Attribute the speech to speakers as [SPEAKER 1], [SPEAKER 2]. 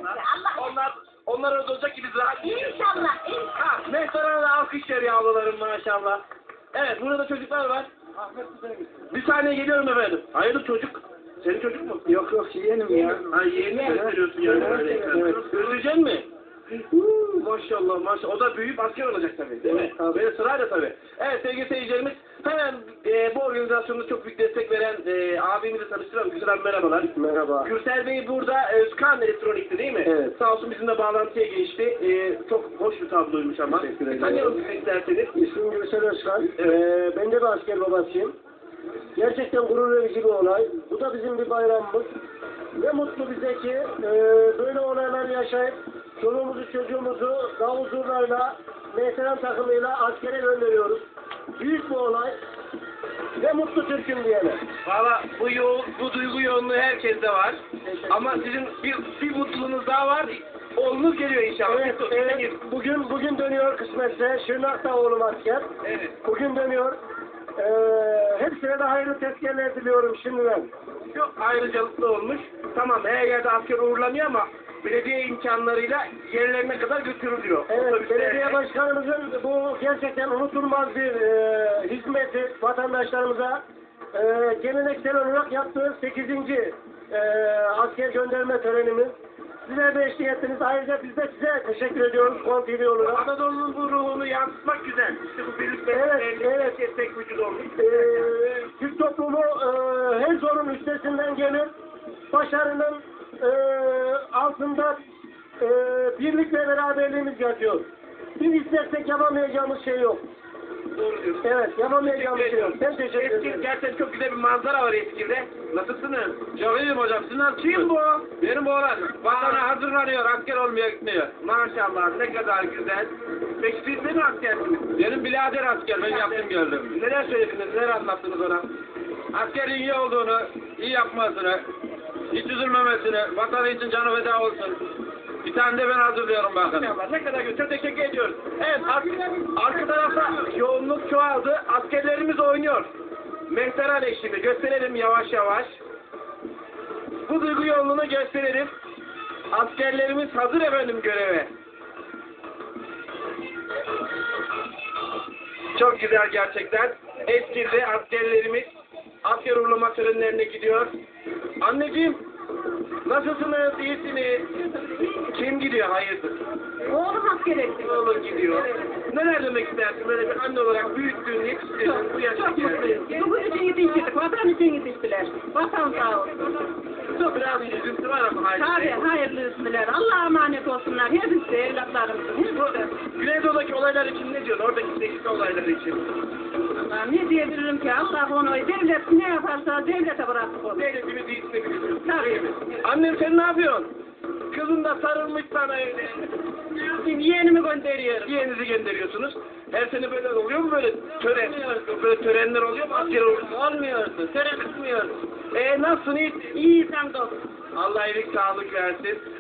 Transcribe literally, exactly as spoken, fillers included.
[SPEAKER 1] onlar.
[SPEAKER 2] Allah
[SPEAKER 1] Onlar onlar orada olacak ki biz rahat yiyeceğiz.
[SPEAKER 2] İnşallah, inşallah.
[SPEAKER 1] Ha, Mehter'e de alkış veriyor ablalarım maşallah. Evet, burada da çocuklar var. Bir saniye geliyorum efendim. Hayırdır çocuk? Senin çocuk mu?
[SPEAKER 3] Yok yok yeğenim ya.
[SPEAKER 1] Ha yeğenini gösteriyorsun yani.
[SPEAKER 3] Evet,
[SPEAKER 1] Öyle
[SPEAKER 3] evet,
[SPEAKER 1] ekranda.
[SPEAKER 3] evet.
[SPEAKER 1] Özleyecek mi? Huu, maşallah maşallah. O da büyüyüp asker olacak tabii. Değil mi?
[SPEAKER 3] Evet, tabii.
[SPEAKER 1] Böyle sırayla tabii. Evet sevgili seyircilerimiz. Hemen e, bu organizasyonda çok büyük destek veren e, abimizi tanıştıralım. Güzel abi merhabalar.
[SPEAKER 3] Merhaba.
[SPEAKER 1] Gürsel Bey burada Özkan Elektronik'ti değil mi?
[SPEAKER 3] Evet.
[SPEAKER 1] Sağ olsun bizimle bağlantıya geçti. E, çok hoş bir tabloymuş ama.
[SPEAKER 3] Teşekkür ederim.
[SPEAKER 1] Tanıyalım sizi isterseniz.
[SPEAKER 3] İsmim Gürsel Özkan. Ee, ben de bir asker babasıyım. Gerçekten gurur verici bir olay. Bu da bizim bir bayramımız. Ne mutlu bize ki e, böyle olaylar yaşayıp çoluğumuzu çocuğumuzu davul zurnayla, veteran takımıyla askere gönderiyoruz. Büyük bir olay. Ne mutlu Türk'üm diyene.
[SPEAKER 1] Valla bu, yo bu duygu yoğunluğu herkeste var. Ama sizin bir, bir mutluluğunuz daha var. Oğlunuz geliyor inşallah.
[SPEAKER 3] Evet, evet. Bugün bugün dönüyor kısmetse. Şırnak'ta oğlum asker.
[SPEAKER 1] Evet.
[SPEAKER 3] Bugün dönüyor. Ee, hepsine de hayırlı tezkerler diliyorum şimdiden.
[SPEAKER 1] Çok ayrıcalıklı olmuş. Tamam her yerde asker uğurlanıyor ama belediye imkanlarıyla yerlerine kadar götürülüyor.
[SPEAKER 3] Evet,
[SPEAKER 1] Otobüslerle.
[SPEAKER 3] belediye başkanımızın bu gerçekten unutulmaz bir e, hizmeti vatandaşlarımıza e, geleneksel olarak yaptığı sekizinci E, asker gönderme törenimiz. Sizler de eşlik ettiniz. Ayrıca biz de size teşekkür ediyoruz Kon T V olarak.
[SPEAKER 1] Anadolu'nun bu ruhunu yansıtmak güzel. İşte bu birlik
[SPEAKER 3] Evet, evet.
[SPEAKER 1] destek vücudu olmuş.
[SPEAKER 3] E, Türk toplumu e, her zorun üstesinden gelir. Başarının e, altında e, birlik ve beraberliğimiz yatıyor. Biz istersek yapamayacağımız şey yok.
[SPEAKER 1] Doğru diyorsun.
[SPEAKER 3] Evet, yapamayacağımız şey yok. Ben teşekkür
[SPEAKER 1] Eskil
[SPEAKER 3] ederim.
[SPEAKER 1] gerçekten çok güzel bir manzara var Eskil'de. Nasılsınız? Çok iyiyim hocam. Siz nasıl? Kim bu? Benim oğlan. Vatana hazırlanıyor. Asker olmaya gitmiyor. Maşallah ne kadar güzel. Peki siz de mi askersiniz? Benim birader asker. Ben yaptım gördüm. Neler söylediniz? Neler anlattınız ona? Askerin iyi olduğunu, iyi yapmasını, hiç üzülmemesini, vatanı için canı feda olsun. Bir tane de ben hazırlıyorum bakın. Ne kadar güzel. Teşekkür ediyoruz. Evet, ar arka tarafta yoğunluk çoğaldı. Askerlerimiz oynuyor. Mehter eşliğinde gösterelim yavaş yavaş. Bu duygu yoğunluğunu gösterelim. Askerlerimiz hazır efendim göreve. Çok güzel gerçekten. Eskilde askerlerimiz asker uğurlama törenlerine gidiyor. Anneciğim, nasılsınız? İyisiniz? Kim gidiyor? Hayırdır?
[SPEAKER 2] Oğlum asker etti.
[SPEAKER 1] Oğlun gidiyor.
[SPEAKER 2] Evet.
[SPEAKER 1] Neler demek istersin? Böyle bir anne olarak büyüttüğün, yetiştirdin, bu yaşa
[SPEAKER 2] Çok
[SPEAKER 1] geldin.
[SPEAKER 2] mutluyum. Bugün için yetiştirdik. Vatan için yetiştiler. Vatan sağ olsun.
[SPEAKER 1] Çok biraz bir üzüntü var ama hayır.
[SPEAKER 2] Tabii hayırlısılar. Allah'a emanet olsunlar. Hepsi de evlatlarımızın. Hepsi.
[SPEAKER 1] Güneydoğu'daki olaylar için ne diyorsun? Oradaki değişik olaylar için.
[SPEAKER 2] Allah ne diyebilirim ki? Allah onu devlet ne yaparsa devlete bıraktık onu.
[SPEAKER 1] Devletimiz iyisini biliyoruz.
[SPEAKER 2] Tabii.
[SPEAKER 1] Annem sen ne yapıyorsun? Kızın da sarılmış sana evde.
[SPEAKER 2] Şimdi yeğenimi gönderiyorum.
[SPEAKER 1] Yeğenizi gönderiyorsunuz. Her sene böyle oluyor mu böyle tören? Böyle törenler oluyor mu? Asker oluyor.
[SPEAKER 2] Olmuyordu. Tören bitmiyordu.
[SPEAKER 1] Eee nasılsın? İyi.
[SPEAKER 2] İyi sen de olsun.
[SPEAKER 1] Allah iyilik sağlık versin.